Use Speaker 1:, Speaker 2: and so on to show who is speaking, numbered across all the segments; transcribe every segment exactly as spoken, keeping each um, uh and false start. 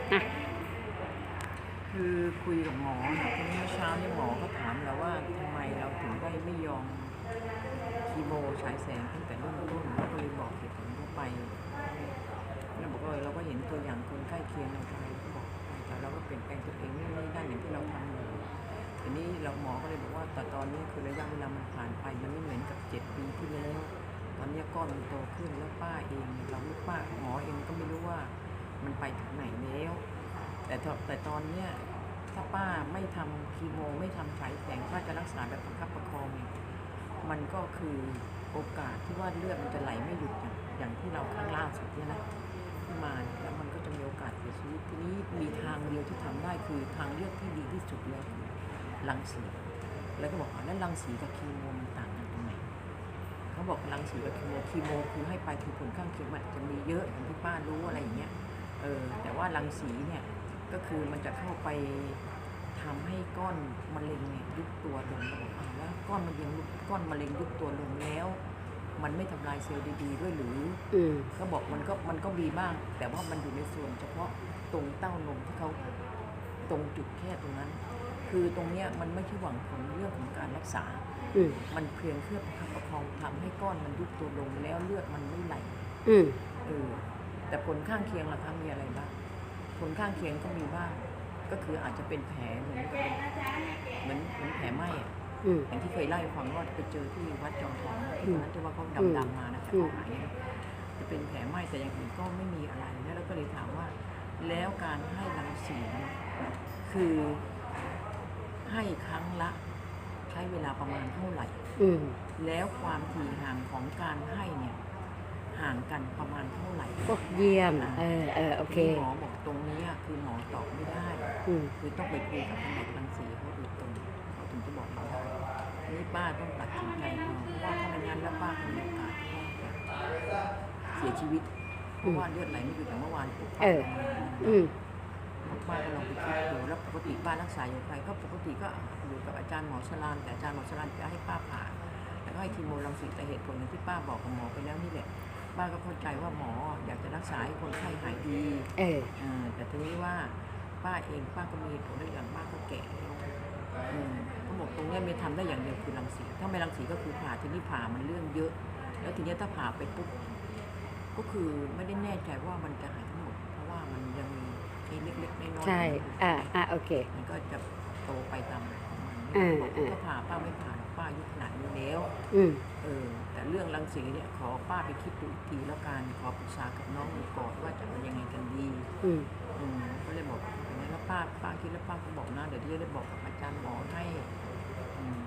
Speaker 1: อ่ะ
Speaker 2: คือคุยกับหมอเนี่ยทีนี้เมื่อเช้าเนี่ยหมอก็ถามเราว่าทำไมเราถึงได้ไม่ยอมคีโมฉายแสงตั้งแต่เริ่มต้นเราก็เลยบอกเหตุผลทั่วไปเราบอกว่าเราก็เห็นตัวอย่างคนใกล้เคียงในไทยก็บอกแต่เราก็เปลี่ยนแปลงตัวเองนี่นี่ได้อย่างที่เราทำเลยทีนี้เราหมอก็เลยบอกว่าแต่ตอนนี้คือระยะเวลามันผ่านไปมันไม่เหมือนกับเจ็ดปีที่แล้วตอนนี้ก้อนมันโตขึ้นแล้วป้าเองเราไม่ป้าหมอเองก็ไม่รู้ว่ามันไปถึงไหนแล้วแต่แต่ตอนเนี้ยถ้าป้าไม่ทำคีโมไม่ทำฉายแสงป้าจะรักษาแบบประคับประคองเนี่ยมันก็คือโอกาสที่ว่าเลือดมันจะไหลไม่หยุดอย่างอย่างที่เราครั้งล่าสุดเนี่ยนะที่มาแล้วมันก็จะมีโอกาสเสียชีวิตทีนี้มีทางเดียวที่ทำได้คือทางเลือกที่ดีที่สุดแล้วคือรังสีแล้วก็บอกว่าแล้วรังสีกับคีโมมันต่างกันตรงไหนเขาบอกรังสีกับคีโมคีโมคือให้ไปคือผลข้างเคียงมันจะมีเยอะอย่างที่ป้ารู้อะไรอย่างเงี้ยเออแต่ว่ารังสีเนี่ยก็คือมันจะเข้าไปทำให้ก้อนมะเร็งเนี่ยยุบตัวลงแล้วก้อนมะเร็งก้อนมะเร็งยุบตัวลงแล้วมันไม่ทำลายเซลล์ดีๆด้วยหรืออืมก็บอกมันก็มันก็มีบ้างแต่ว่ามันอยู่ในส่วนเฉพาะตรงเต้านมที่เขาตรงจุดแค่ตรงนั้นคือตรงเนี้ยมันไม่ใช่หวังผลเรื่องของการรักษามันเพียงเพื่อประคับประคองทำให้ก้อนมันยุบตัวลงแล้วเลือดมันไม่ไหลอืมเออแต่ผลข้างเคียงล่ะคะมีอะไรบ้างผลข้างเคียงก็มีบ้างก็คืออาจจะเป็นแผลเหมือนเหมือนเหมือนแผลไหม้อะอย่างที่เคยเล่าให้ฟังว่าไปเจอที่วัดจอมทองที่นั้นที่ว่าเขาดำๆมานะแต่เขาหายจะเป็นแผลไหม้แต่อย่างอื่นก็ไม่มีอะไรแล้วเราก็เลยถามว่าแล้วการให้รังสีคือให้ครั้งละใช้เวลาประมาณเท่าไหร่แล้วความถี่ห่างของการให้เนี่ยห่างกันประมาณเท่าไหร่
Speaker 1: โอ้เยี่ยมเออเออโอเค
Speaker 2: หมอบอกตรงนี้คือหมอตอบไม่ได้คือต้องไปคุยกับแผนกรังสีเขาโดยตรงเขาถึงจะบอกเราได้นี่ป้าต้องตัดสินใจเอาเพราะว่าถ้าไม่งั้นแล้วป้ามีโอกาสเสียชีวิตเพราะว่าเลือดไหลไม่หยุดอย่างเมื่อวานปุ๊บป้าอืมป้าก็ลองไปคิดดูแล้วปกติป้ารักษาอยู่ใครก็ปกติก็อยู่กับอาจารย์หมอชลานแต่อาจารย์หมอชลานจะให้ป้าผ่าแล้วก็ให้คีโมรังสีแต่เหตุผลอย่างที่ป้าบอกกับหมอไปแล้วนี่แหละป้าก็เข้าใจว่าหมออยากจะรักษาให้คนไข้หายดีเออแต่ทีนี้ว่าป้าเองป้าก็มีผลได้อย่างป้าก็แก่แล้วเขาบอกตรงนี้ไม่ทำได้อย่างเดียวคือรังสีถ้าไม่รังสีก็คือผ่าทีนี้ผ่ามันเรื่องเยอะแล้วทีนี้ถ้าผ่าไปปุ๊บก็คือไม่ได้แน่ใจว่ามันจะหายทั้งหมดเพราะว่ามันยังมีเล็กๆน้อยๆ
Speaker 1: ใช่อ่าอ่าโอเค
Speaker 2: มันก็จะโตไปตามบอกถ้าผ่าป้าไม่ผ่าป้าอายุขนาดนี้แล้วเออแต่เรื่องรังสีเนี่ยขอป้าไปคิดดูอีกทีแล้วกันขอปรึกษากับน้องดูก่อนว่าจะเอายังไงกันดีอืมอืมก็เลยบอกอย่างนี้แล้วป้าป้าคิดแล้วป้าก็บอกนะเดี๋ยวที่จะได้บอกกับอาจารย์หมอให้อืม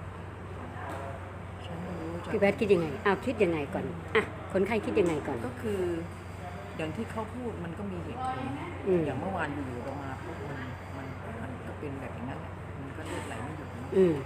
Speaker 2: ฉันไม่รู้จะ
Speaker 1: พี่แพทย์คิดยังไงอ้าวคิดยังไงก่อนอ่ะคนไข้คิดยังไงก่อน
Speaker 2: ก็คืออย่างที่เขาพูดมันก็มีเหตุผลอย่างเมื่อวานอยู่ๆเรามาปุ๊บมันมันมันก็เป็นแบบอย่างนั้นแหละมันก็เลือดไหลไม่หยุดอืม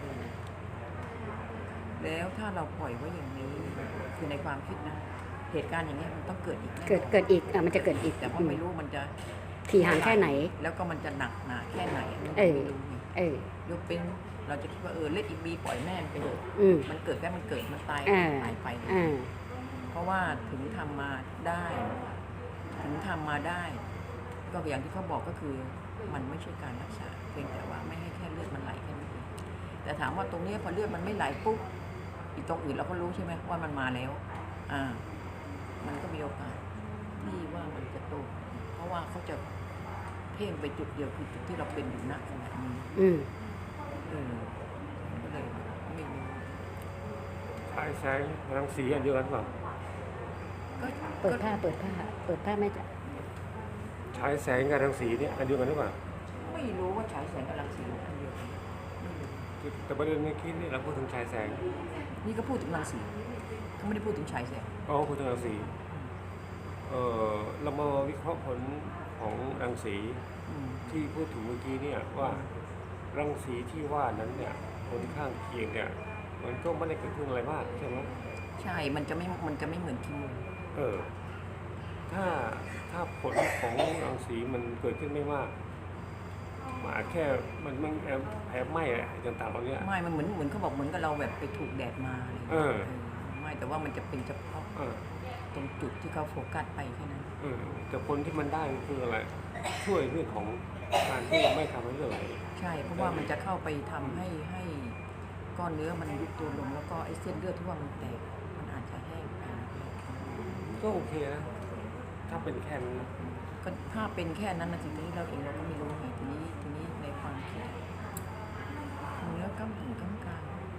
Speaker 2: แล้วถ้าเราปล่อยไว้อย่างนี้คือในความคิดนะเหตุการณ์อย่างนี้มันต้องเกิดอีก
Speaker 1: เกิดเกิดอีกอ่ะมันจะเกิดอีก
Speaker 2: แต่ว่าไม่รู้มันจะ
Speaker 1: ถี่ห่างแค่ไหน
Speaker 2: แล้วก็มันจะหนักหนาแค่ไหน
Speaker 1: เออเอ
Speaker 2: อยกเป็นเราจะคิดว่าเออเล็ดอีกบีปล่อยแม่ไปเถอะมันเกิดแค่มันเกิดมันตายตายไปเพราะว่าถึงทำมาได้ถึงทำมาได้ก็อย่างที่เขาบอกก็คือมันไม่ใช่การรักษาเพียงแต่ว่าไม่ให้แค่เลือดมันไหลแค่นั้นเองแต่ถามว่าตรงนี้พอเลือดมันไม่ไหลปุ๊บอีกตรงอื่นเราก็รู้ใช่ไหมว่ามันมาแล้วอ่ามันก็มีโอกาสที่ว่ามันจะโตเพราะว่าเขาจะเพ่งไปจุดเดียวคือจุดที่เราเป็นอยู่ณขณะนี้อืมเออก็เลยไม่รู้
Speaker 3: ฉายแสงรังสีอันเดียวกันเปล่า
Speaker 1: เปิดผ้าเปิดผ้าเปิดผ้าไม่จะ
Speaker 3: ฉายแสงกับรังสีเนี่ยอันเดียวกันหรือเปล่า
Speaker 2: ไม่รู้ว่าฉายแสงกับรังสีอันเดียวกัน
Speaker 3: แต่ประเด็นเมื่อกี้นี่เราพูดถึงฉายแสง
Speaker 2: นี่ก็พูดถึงรังสีเขาไม่ได้พูดถึงฉายแสง
Speaker 3: อ๋อพูดถึงรังสีเออเรามาวิเคราะห์ผลของรังสีที่พูดถึงเมื่อกี้เนี่ยว่ารังสีที่ว่านั้นเนี่ยผลข้างเคียงเนี่ยมันก็ไม่ได้เกิดขึ้นอะไรมากใช่ไหม
Speaker 2: ใช่มันจะไม่มันจะไม่เหมือนคีโม
Speaker 3: เออถ้าถ้าผลของรังสีมันเกิดขึ้นไม่มากมาแค่มันมันแผลไหม้อะไรต่างๆเหล่านี้
Speaker 2: ไม่มันเหมือนเหมือนเขาบอกเหมือนกับเราแบบไปถูกแดดมาอะไรเออไม่แต่ว่ามันจะเป็นเฉพาะตรงจุดที่เขาโฟกัสไปแค่นั้น
Speaker 3: เออแต่ผลที่มันได้คืออะไร ช่วยเรื่องของการที่ไม่ทำให้เลือดไหล
Speaker 2: ใช่เพราะว่ามันจะเข้าไปทำให้ให้ก้อนเนื้อมันยุบตัวลงแล้วก็ไอ้เส้นเลือดที่ว่ามันแตกมันอาจจะแห้งไป
Speaker 3: ก็โอเคนะ ถ้าเป็นแค่นั้นนะ
Speaker 2: ก็ถ้าเป็นแค่นั้นนะทีนี้เราเองเราก็ไม่รู้ไงทีนี้ทีนี้ในความคิดเนื้อกำถึงกำกลาง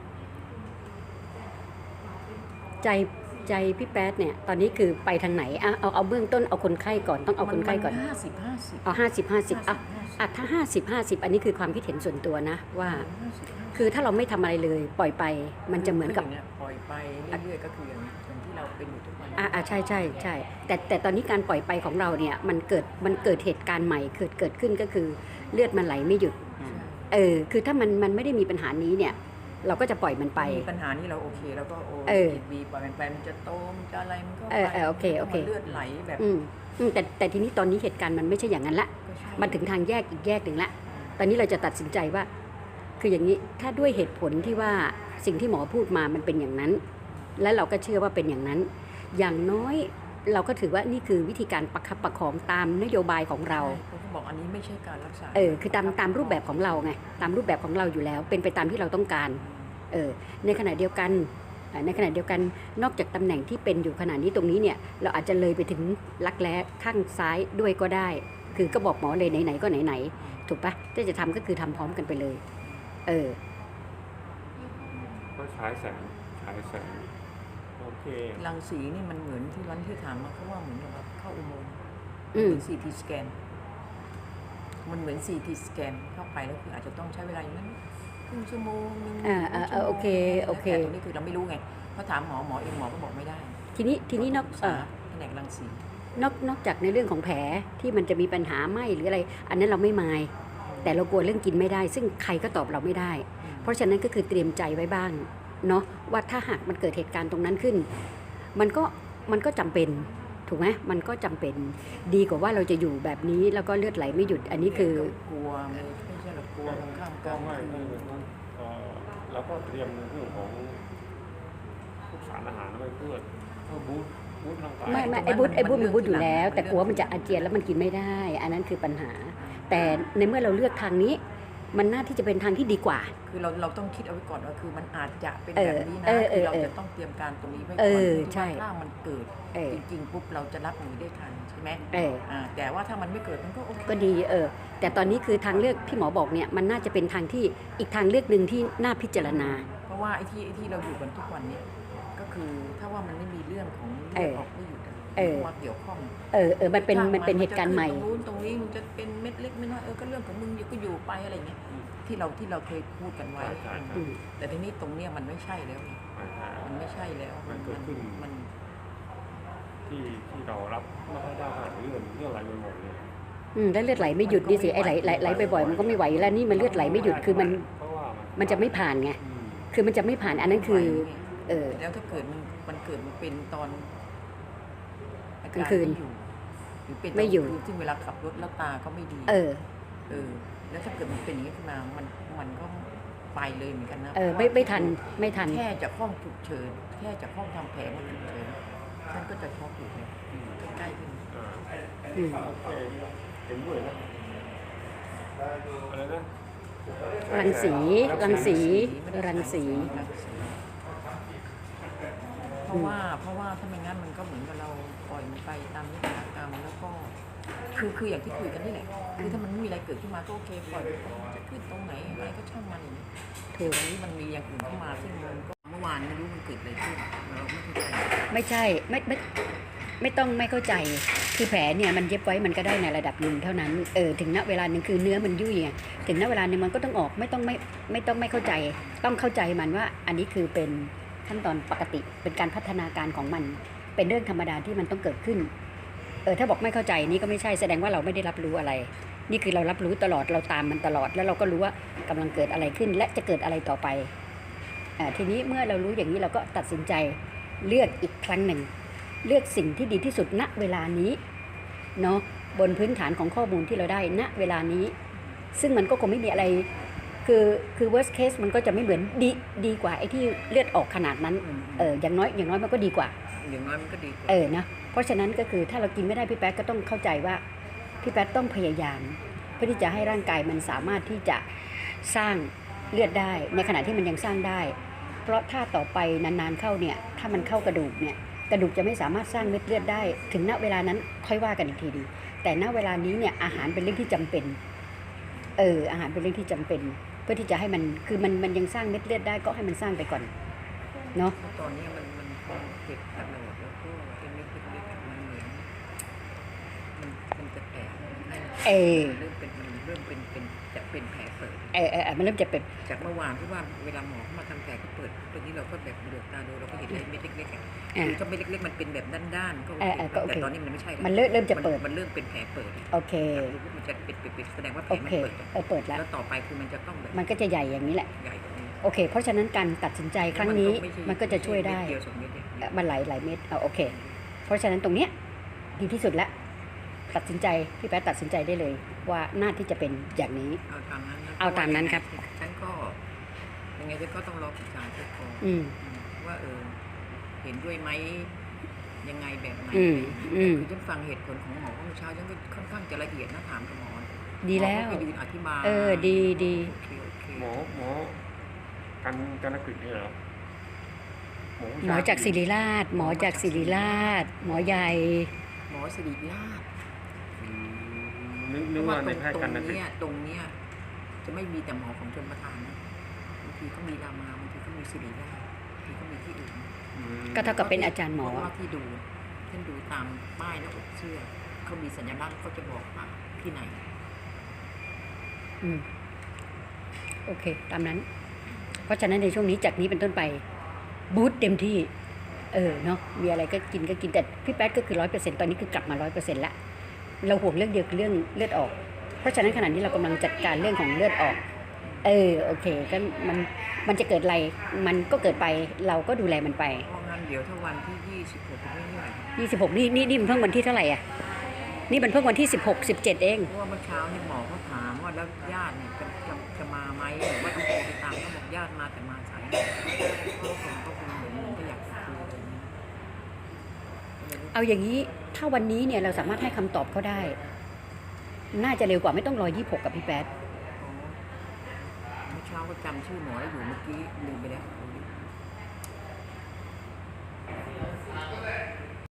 Speaker 1: ใจใจพี่แป๊ดเนี่ยตอนนี้คือไปทางไหนอ่ะเอาเอาเบื้องต้นเอาคนไข้ก่อนต้องเอาคนไข้ก่อน
Speaker 2: ห้าสิบห้าสิบ
Speaker 1: เอาห้าสิบห้าสิบอ่ะอ่ะถ้าห้าสิบห้าสิบอันนี้คือความคิดเห็นส่วนตัวนะว่า คือถ้าเราไม่ทำอะไรเลยปล่อยไปมันจะเหมือนกับ
Speaker 2: ปล่อยไปเรื่อยๆก็คืออย่างนี้อย่างที่เราเป็นอยู่ทุกวัน
Speaker 1: อ่าอ่าใช่ใช่ใช่แต่แต่ตอนนี้การปล่อยไปของเราเนี่ยมันเกิดมันเกิดเหตุการณ์ใหม่เกิดเกิดขึ้นก็คือเลือดมันไหลไม่หยุด
Speaker 3: อืม
Speaker 1: เออคือถ้ามันมันไม่ได้มีปัญหานี้เนี่ยเราก็จะปล่อยมันไป
Speaker 2: มีปัญหานี้เราโอเคแล้วก็โอ้
Speaker 1: เออ
Speaker 2: บีบปล่อยมันไปมันจะโตมันจะอะไรมันก็
Speaker 1: เออเออโอเคโอเค
Speaker 2: มันเลือดไหลแบบ
Speaker 1: อืมอืมแต่แต่ทีนี้ตอนนี้เหตุการณ์มันไม่ใช่อย่างนั้นละ
Speaker 2: ก็ใช่
Speaker 1: มันถึงทางแยกอีกแยกหนึ่งละตอนนี้เราจะตัดสินใจว่า คืออย่างนี้ถ้าด้วยเหตุผลที่ว่าสิ่งที่หมอพูดมามันเป็นอย่างนั้น และเราก็เชื่อว่าเป็นอย่างนั้น อย่างน้อยเราก็ถือว่านี่คือวิธีการประคับประคองตามนโยบายของเรา
Speaker 2: ใช่เขาก็บอกอันนี้ไม่ใช่การรักษา
Speaker 1: เออคือตามตามรูปแบบของเราไงตามรูปแบบของเราอยู่แล้ว เป็นไปตามที่เราต้องการเออในขณะเดียวกันอ่าในขณะเดียวกันนอกจากตำแหน่งที่เป็นอยู่ขณะนี้ตรงนี้เนี่ยเราอาจจะเลยไปถึงรักแร้ข้างซ้ายด้วยก็ได้ คือก็บอกหมอเลยไหนๆก็ไหนๆถูกปะถ้าจะทำก็คือทำพร้อมกันไปเลย เออ
Speaker 3: ก็ฉายแสงฉายแสงโอเค
Speaker 2: รังสีนี่มันเหมือนที่วันที่ถามมาเขาว่าเหมือนกับเข้าอุโมงค์
Speaker 1: อืม
Speaker 2: เหมือนซีทีสแกนมันเหมือนซีทีสแกนเข้าไปแล้วคืออาจจะต้องใช้เวลาอย่างนั้นครึ่งชั่วโมงหนึง
Speaker 1: อ่าอ่า
Speaker 2: ชั่วโมง
Speaker 1: โอเคโอเค
Speaker 2: แต่ตรงนี้คือเราไม่รู้ไงเพราะถามหมอหมอเองหมอก็บอกไม่ได้
Speaker 1: ทีนี้ทีนี้นอก
Speaker 2: ปรึ
Speaker 1: เอ
Speaker 2: ษา
Speaker 1: อ
Speaker 2: แผนกรังสี
Speaker 1: นอกนอกจากในเรื่องของแผลที่มันจะมีปัญหาไหมหรืออะไร อันนั้นเราไม่มาย แต่เรากลัวเรื่องกินไม่ได้ ซึ่งใครก็ตอบเราไม่ได้ เพราะฉะนั้นก็คือเตรียมใจไว้บ้างเนาะว่าถ้าหากมันเกิดเหตุการณ์ตรงนั้นขึ้น มันก็มันก็จำเป็นถูกไหมมันก็จำเป็นดีกว่าว่าเราจะอยู่แบบนี้แล้วก็เลือดไหลไม่หยุดอันนี้คือ
Speaker 2: กลัวไม่ไม่ใช่หรอกกลัวตรงข้ามก
Speaker 3: ก็
Speaker 2: ลาง
Speaker 3: ไม่
Speaker 2: คื
Speaker 3: ไม่
Speaker 2: น
Speaker 3: ไม่เอ่อเราก็เตรียมเรื่องของพวกสารอาหารไว้เพื่อเพื่อบูสต์บูสต์ร่างกาย
Speaker 1: ไม่ไม่ไอ้บุญไอ้บุญมันบุญอยู่แล้ว แต่กลัวมันจะอาเจียนแล้วมันกินไม่ได้ อันนั้นคือปัญหา แต่ในเมื่อเราเลือกทางนี้ มันน่าที่จะเป็นทางที่ดีกว่า
Speaker 2: คือเราเราต้องคิดเอาไว้ก่อนว่าคือมันอาจจะเป็น
Speaker 1: เออ
Speaker 2: แบบนี้นะ
Speaker 1: เออเอ
Speaker 2: คือ
Speaker 1: อ
Speaker 2: เรา
Speaker 1: เออ
Speaker 2: จะต้องเตรียมการตรงนี้ไว้
Speaker 1: เอ
Speaker 2: ก่อน
Speaker 1: อ
Speaker 2: ที่
Speaker 1: ใช่
Speaker 2: ว่าถ้ามันเกิด
Speaker 1: เออ
Speaker 2: จริงๆปุ๊บเราจะรับมือได้ทันใช่ไหม
Speaker 1: เออ
Speaker 2: อ่าแต่ว่าถ้ามันไม่เกิดมันก็โอเค
Speaker 1: ก็ดีเออแต่ตอนนี้คือทางเลือกพี่หมอบอกเนี่ยมันน่าจะเป็นทางที่อีกทางเลือกหนึ่งที่น่าพิจารณา
Speaker 2: เพราะว่าไอ้ที่ไอ้ที่เราอยู่กันทุกวันเนี่ยก็คือถ้าว่ามันไม่มีเรื่องของ
Speaker 1: เอ
Speaker 2: เลือ
Speaker 1: อ
Speaker 2: ดออกไม่หยุดอะ
Speaker 1: เออ
Speaker 2: มาเกี่ยวข้อง
Speaker 1: เออเออมันเป็น
Speaker 2: ถ้า
Speaker 1: มันเป็นเหตุการณ์ใหม่
Speaker 2: นจะขึ้นตรงนู้นตรงนี้มันจะเป็นเม็ดเล็กเม็ดน้อยเออก็เรื่องของมึงอยู่ก็อยู่ไปอะไรเงี้ยที่เราที่เราเคยพูดกันไว้
Speaker 3: ใช่ใช่
Speaker 1: อืม
Speaker 2: แต่ทีนี้ตรงเนี้ยมันไม่ใช่แล้วไง
Speaker 3: ใช่ใช่
Speaker 2: มันไม่ใช่แล้ว
Speaker 3: มันเกิดขึ้น
Speaker 2: มัน
Speaker 3: ที่ที่เรารับไม่ค่อยได้ค่ะเรื่องเรื่องอะไรบ่อยๆเนี่ย
Speaker 1: อืมแล้วเลือดไหลไม่หยุดดิสิไอ้ไหลไหลไหลบ่อยๆมันก็ไม่ไหวแล้วนี่มันเลือดไหลไม่หยุดคือมัน
Speaker 3: เพราะว่ามัน
Speaker 1: มันจะไม่ผ่านไง
Speaker 3: อืม
Speaker 1: คือมันจะไม่ผ่านอันนั้นคือ เออ
Speaker 2: แล้วถ้าเกิดมันมันเกิดมันเป็นตอนอาก
Speaker 1: ลางคืน
Speaker 2: ไม่อยู่หรือเป็นตน
Speaker 1: ไม่อยู่
Speaker 2: คืนซึ่งเวลาขับรถแล้วตาก็ไม่ดี
Speaker 1: เออ
Speaker 2: เออแล้วถ้าเกิดมันเป็นอย่างนี้ขึ้นมา มัน มันก็ไปเลยเหมือนกันนะ
Speaker 1: เออไม่ไม่ทันไม่ทัน
Speaker 2: แค่จากห้องฉุกเฉิน แค่จากห้องทำแผลมาฉุกเฉินท่านก็จะช็อกอยู่เลยใกล้ๆขึ้น
Speaker 3: อ่า
Speaker 1: อืม
Speaker 3: โอเคเห็นด้วยนะอะไรนะ
Speaker 1: รังสีรังสี
Speaker 2: ไม่ได้
Speaker 1: รังสี
Speaker 2: รังสีเพราะว่า เพราะว่าถ้าไม่งั้นมันก็เหมือนกับเราปล่อยมันไปตามนิติกรรมแล้วก็ คือคืออย่างที่คุยกันนี่แหละ คือถ้ามันไม่มีอะไรเกิดขึ้นมาก็โอเคปล่อยมันไปจะขึ้นตรงไหนอะไรก็ช่างมันอย่างนี้
Speaker 1: ถูก
Speaker 2: ตรงนี้มันมีอย่างอื่นเข้ามาซึ่งมันก็เมื่อวานไม่รู้มันเกิดอะไรขึ้นเราไม่เข้าใจ
Speaker 1: ไม่ใช่ไม่ไม่ไม่ต้องไม่เข้าใจ คือแผลเนี่ยมันเย็บไว้มันก็ได้ในระดับหนึ่งเท่านั้นเออถึงณเวลาหนึ่งคือเนื้อมันยุ่ยไงถึงณเวลาหนึ่งมันก็ต้องออกไม่ต้องไม่ไม่ต้องไม่เข้าใจ ต้องเข้าใจมันว่า อันนี้คือเป็นขั้นตอนปกติเป็นการพัฒนาการของมัน เป็นเรื่องธรรมดาที่มันต้องเกิดขึ้นเออถ้าบอกไม่เข้าใจนี่ก็ไม่ใช่แสดงว่าเราไม่ได้รับรู้อะไร นี่คือเรารับรู้ตลอดเราตามมันตลอด แล้วเราก็รู้ว่ากำลังเกิดอะไรขึ้น และจะเกิดอะไรต่อไปอ่าทีนี้เมื่อเรารู้อย่างนี้เราก็ตัดสินใจเลือกอีกครั้งหนึ่ง เลือกสิ่งที่ดีที่สุดณเวลานี้เนาะบนพื้นฐานของข้อมูลที่เราได้ณเวลานี้ ซึ่งมันก็คงไม่มีอะไรคือคือคือ worst case มันก็จะไม่เหมือนดีดีกว่าไอ้ที่เลือดออกขนาดนั้น
Speaker 2: อืม
Speaker 1: เอออย่างน้อยอย่างน้อยมันก็ดีกว่า
Speaker 2: อย่างน้อยมันก็ดีกว่า
Speaker 1: เออนะเพราะฉะนั้นก็คือถ้าเรากินไม่ได้พี่แป๊ดก็ต้องเข้าใจว่าพี่แป๊ดต้องพยายาม เพื่อที่จะให้ร่างกายมันสามารถที่จะสร้างเลือดได้ในขณะที่มันยังสร้างได้ เพราะถ้าต่อไปนานๆเข้าเนี่ยถ้ามันเข้ากระดูกเนี่ยกระดูกจะไม่สามารถสร้างเม็ดเลือดได้ ถึงณเวลานั้นค่อยว่ากันอีกทีดีแต่ณเวลานี้เนี่ยอาหารเป็นเรื่องที่จำเป็นเอออาหารเป็นเรื่องที่จำเป็น เพื่อที่จะให้มันคือมันมันยังสร้างเม็ดเลือดได้ก็ให้มันสร้างไปก่อนเนาะ
Speaker 2: เพราะตอนนี้มันมันคงเจ็บตลอดแล้วก็ไอ้เม็ดเล็กๆอะมันเหมือนมันมันจะแตกให้
Speaker 1: เออ
Speaker 2: เริ่มเป็นมันเริ่มเป็นเป็นจะเป็นแผลเปิด
Speaker 1: เออเออเออมันเริ่มจะเป็น
Speaker 2: จากเมื่อวานที่ว่าเวลาหมอเข้ามาทำแผลก็เปิดตรงนี้เราก็แบบเหลือบตาดูเราก็เห็นไอ้เม็ดเล็กๆอะ
Speaker 1: อ่า
Speaker 2: คือถ้าเม็ดเล็กๆมันเป็นแบบด้านๆก็โอ
Speaker 1: เออ
Speaker 2: เค
Speaker 1: เออก็โอเค
Speaker 2: แต่ตอนนี้มันไม่ใช่แล้ว
Speaker 1: มันเริ่มเริ่มจะเปิด
Speaker 2: มันเริ่มเป็นแผลเปิด
Speaker 1: โอเค
Speaker 2: มันจะเป็นปิดๆแสดงว่าแผล
Speaker 1: โอ
Speaker 2: มัน
Speaker 1: เค
Speaker 2: เปิด
Speaker 1: เออเปิดแล้ว
Speaker 2: แล้วต่อไปคือมันจะต้องแบบ
Speaker 1: มันก็จะใหญ่อย่างนี้แหละ
Speaker 2: ใหญ่กว่านี้
Speaker 1: โอเค เพราะฉะนั้นการตัดสินใจครั้งนี้มันก็จะช่วยได้
Speaker 2: เม็เดียวสองเม็ดเนี่ย
Speaker 1: เอ่อมันหลายหลายเม็ดเอาโอเค เพราะฉะนั้นตรงเนี้ยดีที่สุดแล้วตัดสินใจพี่แป๊ดตัดสินใจได้เลย ว่าน่าที่จะเป็นอย่างนี้
Speaker 2: เอาตามนั้นนะ
Speaker 1: เอาตามนั้นครับ
Speaker 2: ฉันก็ยังไงฉันก็ต้องรอปรึกษาเจ้าของ
Speaker 1: อืม
Speaker 2: ว่าเออเห็นด้วยไหมยังไงแบบไหน
Speaker 1: อืมอืม
Speaker 2: คือฉันฟังเหตุผลของหมอเมื่อเช้าฉันก็ค่อนข้างจะละเอียดนะถามกับหมอ
Speaker 1: ดีแล้ว
Speaker 2: หมอก็ไปยืนอธิบาย
Speaker 1: เออดีดี
Speaker 2: โอเคโอเค
Speaker 3: หมอหมอกันกันกฤษเนี่ยเหรอหมอผู้
Speaker 1: หมอ
Speaker 3: ชย
Speaker 1: จากศิริราช หมอจากศิริราช หมอใหญ่
Speaker 2: หมอสิริราช
Speaker 3: อืมนึกนึกว่าในแพทย์
Speaker 2: ต
Speaker 3: กั
Speaker 2: ร
Speaker 3: น
Speaker 2: ง
Speaker 3: กฤษ
Speaker 2: เนี้ยตรงเนี้ยจะไม่มีแต่หมอของชนประทานนะบางทีก็มีรามาบางทีก็มีสิริราชบางทีก็มีที่อื่น
Speaker 3: อืม
Speaker 1: ก็เท่ากับเป็นอาจารย์หมอ
Speaker 2: เพราะว่าที่ดูฉันดูตามป้ายหน้าอกเสื้อเขามีสัญลักษณ์เขาจะบอกว่าที่ไหน
Speaker 1: อืมโอเค ตามนั้น เพราะฉะนั้นในช่วงนี้จากนี้เป็นต้นไปบูสต์เต็มที่ เออเนาะมีอะไรก็กินก็กินแต่พี่แป๊ดก็คือร้อยเปอร์เซ็นต์ตอนนี้คือกลับมาร้อยเปอร์เซ็นต์ละเราห่วงเรื่องเดียวคือเรื่องเลือดออก เพราะฉะนั้นขณะนี้เรากำลังจัดการเรื่องของเลือดออก เออโอเคก็มันมันจะเกิดอะไรมันก็เกิดไปเราก็ดูแลมันไป
Speaker 2: เพราะงั้นเดี๋ยวถ้าวันที่ยี่สิบหกไม่เท่าไหร่
Speaker 1: ยี่สิบหกนี่นี่นี่มันเพิ่งวันที่เท่าไหร่อ่ะนี่มันเพิ่งวันที่สิบหก สิบเจ็ดเอง
Speaker 2: เพราะว่าเมื่อเช้านี่หมอเขาถามว่าแล้วญาติเนี่ยจะจะจะมาไหมหรือว่าต้องโทรไปตามเขาบอกญาติมาแต่มาสายก็คงก็คงเหมือนเหมือนก็อยากจะคุยอะไรอย่างเงี้ยก็เลยรู้
Speaker 1: เอาอย่างนี้ถ้าวันนี้เนี่ยเราสามารถให้คำตอบเขาได้ น่าจะเร็วกว่าไม่ต้องรอยี่สิบหกกับพี่แป๊ด
Speaker 2: อ๋อเมื่อเช้าก็จำชื่อหมอได้อยู่เมื่อกี้ลืมไปแล้ว